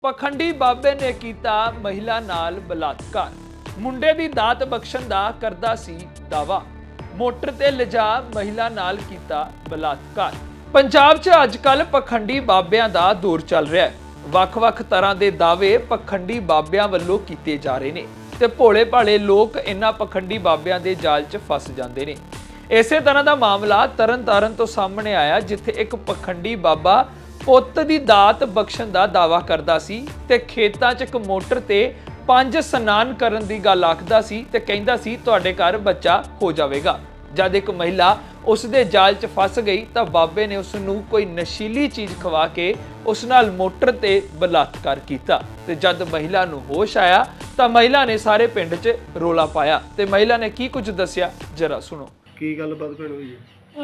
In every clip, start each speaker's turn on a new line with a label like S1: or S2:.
S1: ਪਖੰਡੀ ਬਾਬੇ ਨੇ ਕੀਤਾ ਮਹਿਲਾ ਨਾਲ ਬਲਾਤਕਾਰ। ਮੁੰਡੇ ਦੀ ਦਾਤ ਬਖਸ਼ਣ ਦਾ ਕਰਦਾ ਸੀ ਦਾਵਾ। ਮੋਟਰ ਤੇ ਲਿਜਾ ਮਹਿਲਾ ਨਾਲ ਕੀਤਾ ਬਲਾਤਕਾਰ। ਪੰਜਾਬ 'ਚ ਅੱਜਕੱਲ ਪਖੰਡੀ ਬਾਬਿਆਂ ਦਾ ਦੌਰ ਚੱਲ ਰਿਹਾ ਹੈ। ਵੱਖ-ਵੱਖ ਤਰ੍ਹਾਂ ਦੇ ਦਾਅਵੇ ਪਖੰਡੀ ਬਾਬਿਆਂ ਵੱਲੋਂ ਕੀਤੇ ਜਾ ਰਹੇ ਨੇ ਤੇ ਭੋਲੇ-ਭਾਲੇ ਲੋਕ ਇਹਨਾਂ ਪਖੰਡੀ ਬਾਬਿਆਂ ਦੇ ਜਾਲ 'ਚ ਫਸ ਜਾਂਦੇ ਨੇ। ਇਸੇ ਤਰ੍ਹਾਂ ਦਾ ਮਾਮਲਾ ਤਰਨਤਾਰਨ ਤੋਂ ਸਾਹਮਣੇ ਆਇਆ, ਜਿੱਥੇ ਇੱਕ ਪਖੰਡੀ ਬਾਬਾ ਪੁੱਤ ਦੀ ਦਾਤ ਬਖਸ਼ਣ ਦਾ ਦਾਵਾ ਕਰਦਾ ਸੀ ਤੇ ਖੇਤਾਂ 'ਚ ਇੱਕ ਮੋਟਰ ਤੇ 5 ਇਸ਼ਨਾਨ ਕਰਨ ਦੀ ਗੱਲ ਆਖਦਾ ਸੀ ਤੇ ਕਹਿੰਦਾ ਸੀ ਤੁਹਾਡੇ ਘਰ ਬੱਚਾ ਹੋ ਜਾਵੇਗਾ। ਜਦ ਇੱਕ ਮਹਿਲਾ ਉਸ ਦੇ ਜਾਲ 'ਚ ਫਸ ਗਈ ਤਾਂ ਬਾਬੇ ਨੇ ਉਸ ਨੂੰ ਕੋਈ ਨਸ਼ੀਲੀ ਚੀਜ਼ ਖਵਾ ਕੇ ਉਸ ਨਾਲ ਮੋਟਰ ਤੇ ਬਲਾਤਕਾਰ ਕੀਤਾ ਤੇ ਜਦ ਮਹਿਲਾ ਨੂੰ ਹੋਸ਼ ਆਇਆ ਤਾਂ ਮਹਿਲਾ ਨੇ ਸਾਰੇ ਪਿੰਡ 'ਚ ਰੋਲਾ ਪਾਇਆ ਤੇ ਮਹਿਲਾ ਨੇ ਕੀ ਕੁਝ ਦੱਸਿਆ ਜਰਾ ਸੁਣੋ।
S2: ਕੀ ਗੱਲਬਾਤ ਭੈਣ ਹੋਈ ਹੈ?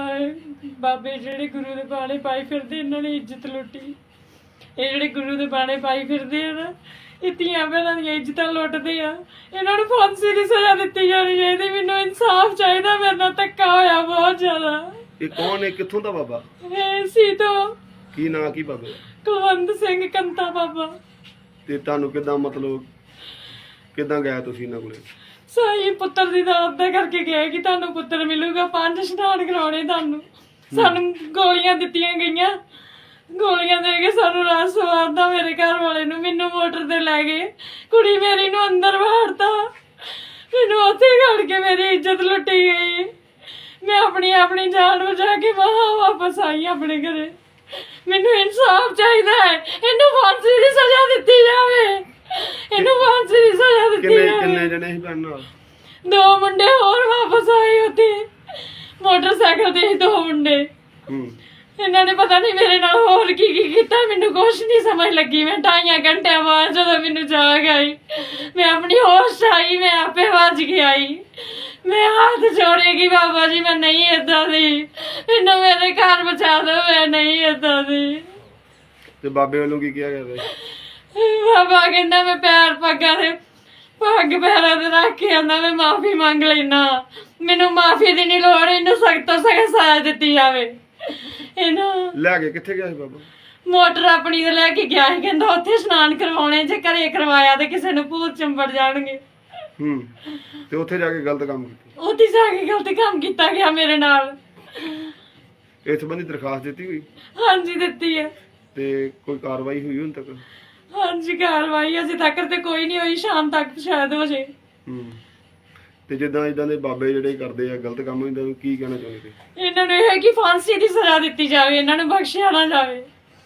S3: ਬਾਬੇ ਜਿਹੜੇ ਗੁਰੂ ਦੇ ਬਾਣੇ ਪਾਈ ਫਿਰਦੇ, ਇਹਨਾਂ ਨੇ ਇੱਜ਼ਤ ਲੁੱਟੀ। ਇਹ ਜਿਹੜੇ ਗੁਰੂ ਦੇ ਬਾਣੇ ਪਾਈ ਫਿਰਦੇ ਆ ਨਾ, ਇਹ ਧੀਆਂ ਭੈਣਾਂ ਦੀਆਂ ਇੱਜ਼ਤਾਂ ਲੁੱਟਦੇ ਆ। ਇਹਨਾਂ ਨੂੰ ਫਾਂਸੀ ਦੀ ਸਜ਼ਾ ਦਿੱਤੀ ਜਾਣੀ ਚਾਹੀਦੀ। ਮੈਨੂੰ ਇਨਸਾਫ ਚਾਹੀਦਾ, ਮੇਰੇ ਨਾਲ ਧੱਕਾ ਹੋਇਆ ਬਹੁਤ ਜ਼ਿਆਦਾ।
S2: ਇਹ ਕੌਣ ਹੈ? ਕਿੱਥੋਂ ਦਾ ਬਾਬਾ?
S3: ਇਹ ਸੀ ਤੋਂ
S2: ਕੀ ਨਾਂ ਕੀ ਬਾਬੇ?
S3: ਕੁਲਵੰਤ ਸਿੰਘ ਕੰਤਾ ਬਾਬਾ।
S2: ਤੇ ਤੁਹਾਨੂੰ ਕਿੱਦਾਂ ਮਤਲਬ ਕਿੱਦਾਂ ਗਿਆ ਤੁਸੀਂ ਇਹਨਾਂ ਕੋਲੇ?
S3: ਸਹੀ ਪੁੱਤਰ ਦੀ ਦਾਤ ਦਾ ਕਰਕੇ ਗਏ ਕਿ ਤੁਹਾਨੂੰ ਪੁੱਤਰ ਮਿਲੂਗਾ, 5 ਇਸ਼ਨਾਨ ਕਰਾਉਣੇ ਤੁਹਾਨੂੰ। ਸਾਨੂੰ ਗੋਲੀਆਂ ਦਿੱਤੀਆਂ ਗਈਆਂ, ਗੋਲੀਆਂ ਦੇ ਕੇ ਸਾਨੂੰ ਰਾਤ ਸਵਾਰਦਾ ਮੇਰੇ ਘਰ ਵਾਲੇ ਨੂੰ। ਮੈਨੂੰ ਮੋਟਰ ਤੇ ਲੈ ਗਏ, ਕੁੜੀ ਮੇਰੀ ਨੂੰ ਅੰਦਰ ਵਾੜਤਾ, ਮੈਨੂੰ ਉੱਥੇ ਘੜ ਕੇ ਮੇਰੀ ਇੱਜ਼ਤ ਲੁੱਟੀ ਗਈ। ਮੈਂ ਆਪਣੀ ਜਾਨ ਬਚਾ ਕੇ ਵਾਪਸ ਆਈ ਆਪਣੇ ਘਰੇ। ਮੈਨੂੰ ਇਨਸਾਫ ਚਾਹੀਦਾ ਹੈ, ਇਹਨੂੰ ਫਾਂਸੀ ਦੀ ਸਜ਼ਾ ਦਿੱਤੀ ਜਾਵੇ। ਇਹਨੂੰ ਫਾਂਸੀ ਦੀ ਸਜ਼ਾ ਦਿੱਤੀ ਜਾਵੇ।
S2: ਕਿੰਨੇ ਜਣੇ ਸੀ ਭੈਣ ਨਾਲ?
S3: 2 ਮੁੰਡੇ ਹੋਰ ਵਾਪਸ ਆਏ ਉੱਥੇ ਮੋਟਰਸਾਈਕਲ ਤੇ 2 ਮੁੰਡੇ। ਇਹਨਾਂ ਨੇ ਪਤਾ ਨਹੀਂ ਮੇਰੇ ਨਾਲ ਹੋਰ ਕੀ ਕੀਤਾ, ਮੈਨੂੰ ਕੁਛ ਨਹੀਂ ਸਮਝ ਲੱਗੀ। ਮੈਂ 2.5 ਘੰਟੇ ਬਾਅਦ ਜਦੋਂ ਮੈਨੂੰ ਜਾਗ ਆਈ, ਮੈਂ ਆਪਣੀ ਹੋਸ਼ ਆਈ, ਮੈਂ ਆਪੇ ਵੱਜ ਕੇ ਆਈ। ਮੈਂ ਹੱਥ ਜੋੜੇਗੀ ਬਾਬਾ ਜੀ, ਮੈਂ ਨਹੀਂ ਏਦਾਂ ਦੀ, ਮੈਨੂੰ ਮੇਰੇ ਘਰ ਬਚਾ ਦਿਓ, ਮੈਂ ਨਹੀਂ ਏਦਾਂ ਦੀ।
S2: ਤੇ ਬਾਬੇ ਵੱਲੋਂ ਕੀ ਕਿਹਾ ਗਿਆ?
S3: ਬਾਬਾ ਕਹਿੰਦਾ ਮੈਂ ਪੱਗ ਪੈਰਾਂ ਤੇ ਰੱਖ ਕੇ ਆਂਦਾ ਮੈਂ ਮਾਫੀ ਮੰਗ ਲੈਣਾ, ਮੈਨੂੰ ਮਾਫੀ ਦੀ ਨਹੀਂ ਲੋੜ, ਇਹਨੂੰ ਸਖਤ ਤੋਂ ਸਖਤ ਸਜ਼ਾ ਦਿੱਤੀ ਜਾਵੇ। ਇਹਨੂੰ
S2: ਲੈ ਕੇ ਕਿੱਥੇ ਗਿਆ ਸੀ ਬਾਬਾ?
S3: ਮੋਟਰ ਆਪਣੀ ਤੇ ਲੈ ਕੇ ਗਿਆ ਸੀ, ਕਹਿੰਦਾ ਉੱਥੇ ਇਸ਼ਨਾਨ ਕਰਵਾਉਣੇ, ਜੇ ਘਰੇ ਕਰਵਾਇਆ ਤੇ ਕਿਸੇ ਨੂੰ ਭੂਤ ਚੰਬੜ ਜਾਣਗੇ।
S2: ਤੇ ਉੱਥੇ ਜਾ ਕੇ ਗਲਤ ਕੰਮ ਕੀਤਾ?
S3: ਉੱਥੇ ਜਾ ਕੇ ਗਲਤ ਕੰਮ ਕੀਤਾ ਗਿਆ ਮੇਰੇ ਨਾਲ।
S2: ਇਸ ਸੰਬੰਧੀ ਦਰਖਾਸਤ ਦਿੱਤੀ ਹੋਈ?
S3: ਹਾਂਜੀ ਦਿੱਤੀ ਹੈ।
S2: ਤੇ ਕੋਈ ਕਾਰਵਾਈ ਹੋਈ ਹੁਣ ਤੱਕ?
S3: ਹਾਂਜੀ ਕਾਰਵਾਈ ਅਜੇ ਤੱਕ ਤੇ ਕੋਈ ਨਹੀਂ ਹੋਈ, ਸ਼ਾਮ ਤੱਕ ਸ਼ਾਇਦ ਹੋ ਜੇ।
S2: ਤੇ ਜਿੱਦਾਂ ਇਦਾਂ ਦੇ ਬਾਬੇ ਜਿਹੜੇ ਕਰਦੇ ਆ ਗਲਤ ਕੰਮ, ਇਹਨਾਂ ਨੂੰ ਕੀ ਕਹਿਣਾ ਚਾਹੁੰਦੇ ਤੁਸੀਂ?
S3: ਇਹਨਾਂ ਨੂੰ ਇਹ ਹੈ ਕਿ ਫਾਂਸੀ ਦੀ ਸਜ਼ਾ ਦਿੱਤੀ ਜਾਵੇ, ਇਹਨਾਂ ਨੂੰ ਬਖਸ਼ਿਆ ਨਾ ਜਾਵੇ।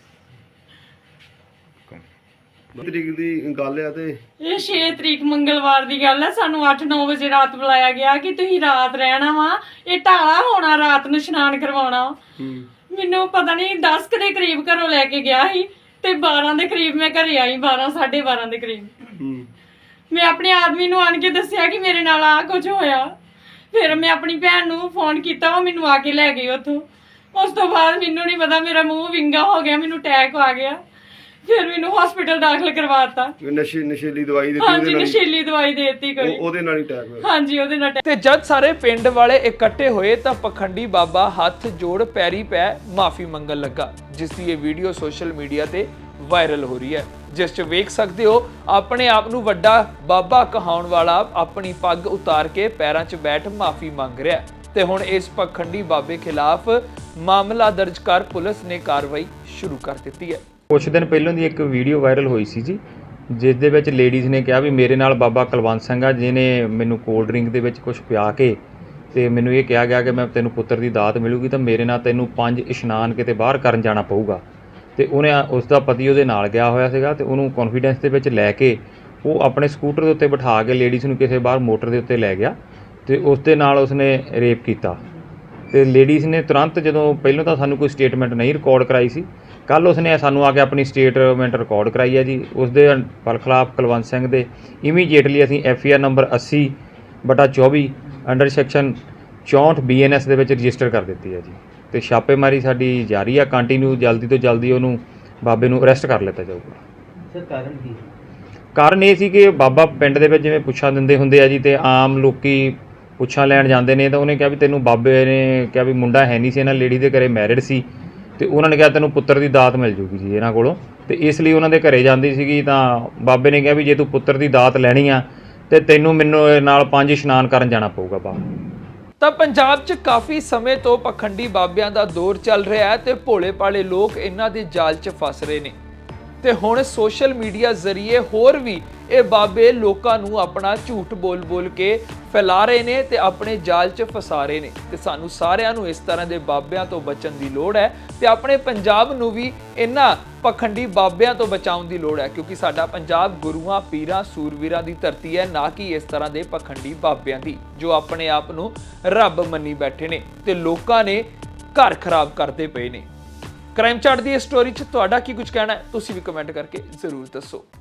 S2: ਤਰੀਕ ਦੀ ਗੱਲ ਆ ਤੇ
S3: ਇਹ 6 ਤਰੀਕ ਮੰਗਲਵਾਰ ਦੀ ਗੱਲ ਹੈ। ਸਾਨੂੰ 8-9 ਵਜੇ ਰਾਤ ਬੁਲਾਇਆ ਗਿਆ ਕਿ ਤੁਸੀਂ ਰਾਤ ਰਹਿਣਾ ਵਾ, ਇਹ ਢਾਲਾ ਹੋਣਾ, ਰਾਤ ਨੂੰ ਇਸ਼ਨਾਨ ਕਰਵਾਉਣਾ। ਮੈਨੂੰ ਪਤਾ ਨਹੀਂ 10 ਕੁ ਦੇ ਕਰੀਬ ਘਰੋਂ ਲੈ ਕੇ ਗਿਆ ਸੀ ਤੇ 12 ਦੇ ਕਰੀਬ ਮੈਂ ਘਰੇ ਆਈ, 12-12:30 ਦੇ ਕਰੀਬ। ਮੈਂ ਆਪਣੇ ਆਦਮੀ ਨੂੰ ਆਣ ਕੇ ਦੱਸਿਆ ਕਿ ਮੇਰੇ ਨਾਲ ਆਹ ਕੁਝ ਹੋਇਆ। ਫਿਰ ਮੈਂ ਆਪਣੀ ਭੈਣ ਨੂੰ ਫੋਨ ਕੀਤਾ, ਉਹ ਮੈਨੂੰ ਆ ਕੇ ਲੈ ਗਈ ਉੱਥੋਂ। ਉਸ ਤੋਂ ਬਾਅਦ ਮੈਨੂੰ ਨਹੀਂ ਪਤਾ, ਮੇਰਾ ਮੂੰਹ ਵਿੰਗਾ ਹੋ ਗਿਆ, ਮੈਨੂੰ ਅਟੈਕ ਆ ਗਿਆ। ਫਿਰ ਮੈਨੂੰ ਹਸਪੀਟਲ ਦਾਖਲ ਕਰਵਾਤਾ।
S2: ਨਸ਼ੀਲੀ ਦਵਾਈ ਦਿੱਤੀ?
S3: ਹਾਂਜੀ ਨਸ਼ੀਲੀ ਦਵਾਈ ਦੇ ਦਿੱਤੀ ਕੋਈ,
S2: ਉਹਦੇ ਨਾਲ ਹੀ ਅਟੈਕ ਹੋਇਆ?
S3: ਹਾਂਜੀ ਉਹਦੇ ਨਾਲ।
S1: ਤੇ ਜਦ ਸਾਰੇ ਪਿੰਡ ਵਾਲੇ ਇਕੱਠੇ ਹੋਏ ਤਾਂ ਪਖੰਡੀ ਬਾਬਾ ਹੱਥ ਜੋੜ ਪੈਰੀ ਪੈ ਮਾਫੀ ਮੰਗਣ ਲੱਗਾ, ਜਿਸ ਦੀ ਇਹ ਵੀਡੀਓ ਸੋਸ਼ਲ ਮੀਡੀਆ ਤੇ ਵਾਇਰਲ ਹੋ ਰਹੀ ਹੈ, ਜਿਸ 'ਚ ਵੇਖ ਸਕਦੇ ਹੋ ਆਪਣੇ ਆਪ ਨੂੰ ਵੱਡਾ ਬਾਬਾ ਕਹਾਉਣ ਵਾਲਾ ਆਪਣੀ ਪੱਗ ਉਤਾਰ ਕੇ ਪੈਰਾਂ 'ਚ ਬੈਠ ਮਾਫੀ ਮੰਗ ਰਿਹਾ ਤੇ ਹੁਣ ਇਸ ਪਖੰਡੀ ਬਾਬੇ ਖਿਲਾਫ ਮਾਮਲਾ ਦਰਜ ਕਰ ਪੁਲਿਸ ਨੇ ਕਾਰਵਾਈ ਸ਼ੁਰੂ ਕਰ ਦਿੱਤੀ ਹੈ।
S4: ਕੁਛ ਦਿਨ ਪਹਿਲਾਂ ਦੀ ਇੱਕ ਵੀਡੀਓ ਵਾਇਰਲ ਹੋਈ ਸੀ ਜੀ, ਜਿਸ ਦੇ ਵਿੱਚ ਲੇਡੀਜ਼ ਨੇ ਕਿਹਾ ਵੀ ਮੇਰੇ ਨਾਲ ਬਾਬਾ ਕੁਲਵੰਤ ਸਿੰਘ ਆ, ਜਿਹਨੇ ਮੈਨੂੰ ਕੋਲਡ ਡਰਿੰਕ ਦੇ ਵਿੱਚ ਕੁਝ ਪਿਆ ਕੇ ਤੇ ਮੈਨੂੰ ਇਹ ਕਿਹਾ ਗਿਆ ਕਿ ਮੈਂ ਤੈਨੂੰ ਪੁੱਤਰ ਦੀ ਦਾਤ ਮਿਲੂਗੀ ਤਾਂ ਮੇਰੇ ਨਾਲ ਤੈਨੂੰ 5 ਇਸ਼ਨਾਨ ਕਿਤੇ ਬਾਹਰ ਕਰਨ ਜਾਣਾ ਪਊਗਾ। ਤੇ ਉਹਨੇ ਉਸ ਦਾ ਪਤੀ ਉਹਦੇ ਨਾਲ ਗਿਆ ਹੋਇਆ ਸੀਗਾ ਤੇ ਉਹਨੂੰ ਕੌਨਫੀਡੈਂਸ ਦੇ ਵਿੱਚ ਲੈ ਕੇ ਉਹ ਆਪਣੇ ਸਕੂਟਰ ਦੇ ਉੱਤੇ ਬਿਠਾ ਕੇ ਲੇਡੀਜ਼ ਨੂੰ ਕਿਸੇ ਬਾਹਰ ਮੋਟਰ ਦੇ ਉੱਤੇ ਲੈ ਗਿਆ ਤੇ ਉਸ ਦੇ ਨਾਲ ਉਸਨੇ ਰੇਪ ਕੀਤਾ। ਤੇ ਲੇਡੀਜ਼ ਨੇ ਤੁਰੰਤ, ਜਦੋਂ ਪਹਿਲਾਂ ਤਾਂ ਸਾਨੂੰ ਕੋਈ ਸਟੇਟਮੈਂਟ ਨਹੀਂ ਰਿਕਾਰਡ ਕਰਾਈ ਸੀ, ਕੱਲ੍ਹ ਉਸਨੇ ਸਾਨੂੰ ਆ ਕੇ ਆਪਣੀ ਸਟੇਟਮੈਂਟ ਰਿਕਾਰਡ ਕਰਾਈ ਹੈ ਜੀ। ਉਸ ਦੇ ਖਿਲਾਫ ਕੁਲਵੰਤ ਸਿੰਘ ਦੇ ਇਮੀਡੀਏਟਲੀ ਅਸੀਂ FIR ਨੰਬਰ 80/24 ਅੰਡਰ ਸੈਕਸ਼ਨ 64 BNS ਦੇ ਵਿੱਚ ਰਜਿਸਟਰ ਕਰ ਦਿੱਤੀ ਹੈ ਜੀ। ਤੇ ਛਾਪੇਮਾਰੀ ਸਾਡੀ ਜਾਰੀ ਆ ਕੰਟੀਨਿਊ, ਜਲਦੀ ਤੋਂ ਜਲਦੀ ਉਹਨੂੰ ਬਾਬੇ ਨੂੰ ਅਰੈਸਟ ਕਰ ਲਿੱਤਾ ਜਾਊਗਾ।
S5: ਸਰ ਕਾਰਨ ਕੀ?
S4: ਕਾਰਨ ਇਹ ਸੀ ਕਿ ਬਾਬਾ ਪਿੰਡ ਦੇ ਵਿੱਚ ਜਿਵੇਂ ਪੁੱਛਾਂ ਦਿੰਦੇ ਹੁੰਦੇ ਆ ਜੀ, ਤੇ ਆਮ ਲੋਕੀ ਪੁੱਛਾਂ ਲੈਣ ਜਾਂਦੇ ਨੇ ਤਾਂ ਉਹਨੇ ਕਿਹਾ ਵੀ ਤੈਨੂੰ ਬਾਬੇ ਨੇ ਕਿਹਾ ਵੀ ਮੁੰਡਾ ਹੈ ਨਹੀਂ ਸੀ, ਇਹਨਾਂ ਲੇਡੀ ਦੇ ਘਰੇ ਮੈਰਿਡ ਸੀ ਤੇ ਉਹਨਾਂ ਨੇ ਕਿਹਾ ਤੈਨੂੰ ਪੁੱਤਰ ਦੀ ਦਾਤ ਮਿਲ ਜੂਗੀ ਜੀ ਇਹਨਾਂ ਕੋਲੋਂ। ਤੇ ਇਸ ਲਈ ਉਹਨਾਂ ਦੇ ਘਰੇ ਜਾਂਦੀ ਸੀਗੀ ਤਾਂ ਬਾਬੇ ਨੇ ਕਿਹਾ ਵੀ ਜੇ ਤੂੰ ਪੁੱਤਰ ਦੀ ਦਾਤ ਲੈਣੀ ਆ ਤੇ ਤੈਨੂੰ ਮੈਨੂੰ ਨਾਲ 5 ਇਸ਼ਨਾਨ ਕਰਨ ਜਾਣਾ ਪਊਗਾ ਬਾਹਰ।
S1: ਤਾਂ ਪੰਜਾਬ 'ਚ ਕਾਫੀ ਸਮੇਂ ਤੋਂ ਪਖੰਡੀ ਬਾਬਿਆਂ ਦਾ ਦੌਰ ਚੱਲ ਰਿਹਾ ਹੈ ਤੇ ਭੋਲੇ ਭਾਲੇ ਲੋਕ ਇਹਨਾਂ ਦੇ ਜਾਲ 'ਚ ਫਸ ਰਹੇ ਨੇ ਤੇ ਹੁਣ ਸੋਸ਼ਲ ਮੀਡੀਆ ਜ਼ਰੀਏ ਹੋਰ ਵੀ ਇਹ ਬਾਬੇ ਲੋਕਾਂ ਨੂੰ ਆਪਣਾ ਝੂਠ ਬੋਲ ਕੇ ਫੈਲਾ ਰਹੇ ਨੇ ਤੇ ਆਪਣੇ ਜਾਲ 'ਚ ਫਸਾ ਰਹੇ ਨੇ ਤੇ ਸਾਨੂੰ ਸਾਰਿਆਂ ਨੂੰ ਇਸ ਤਰ੍ਹਾਂ ਦੇ ਬਾਬਿਆਂ ਤੋਂ ਬਚਣ ਦੀ ਲੋੜ ਹੈ ਤੇ ਆਪਣੇ ਪੰਜਾਬ ਨੂੰ ਵੀ ਇਹਨਾਂ ਪਖੰਡੀ ਬਾਬਿਆਂ ਤੋਂ ਬਚਾਉਣ ਦੀ ਲੋੜ ਹੈ ਕਿਉਂਕਿ ਸਾਡਾ ਪੰਜਾਬ ਗੁਰੂਆਂ ਪੀਰਾਂ ਸੂਰਵੀਰਾਂ ਦੀ ਧਰਤੀ ਹੈ, ਨਾ ਕਿ ਇਸ ਤਰ੍ਹਾਂ ਦੇ ਪਖੰਡੀ ਬਾਬਿਆਂ ਦੀ ਜੋ ਆਪਣੇ ਆਪ ਨੂੰ ਰੱਬ ਮੰਨੀ ਬੈਠੇ ਨੇ ਤੇ ਲੋਕਾਂ ਨੇ ਘਰ ਖਰਾਬ ਕਰਦੇ ਪਏ ਨੇ। ਕ੍ਰਾਈਮ ਚਾਟ ਦੀ ਇਸ ਸਟੋਰੀ 'ਚ ਤੁਹਾਡਾ ਕੀ ਕੁਝ ਕਹਿਣਾ ਹੈ ਤੁਸੀਂ ਵੀ ਕਮੈਂਟ ਕਰਕੇ ਜ਼ਰੂਰ ਦੱਸੋ।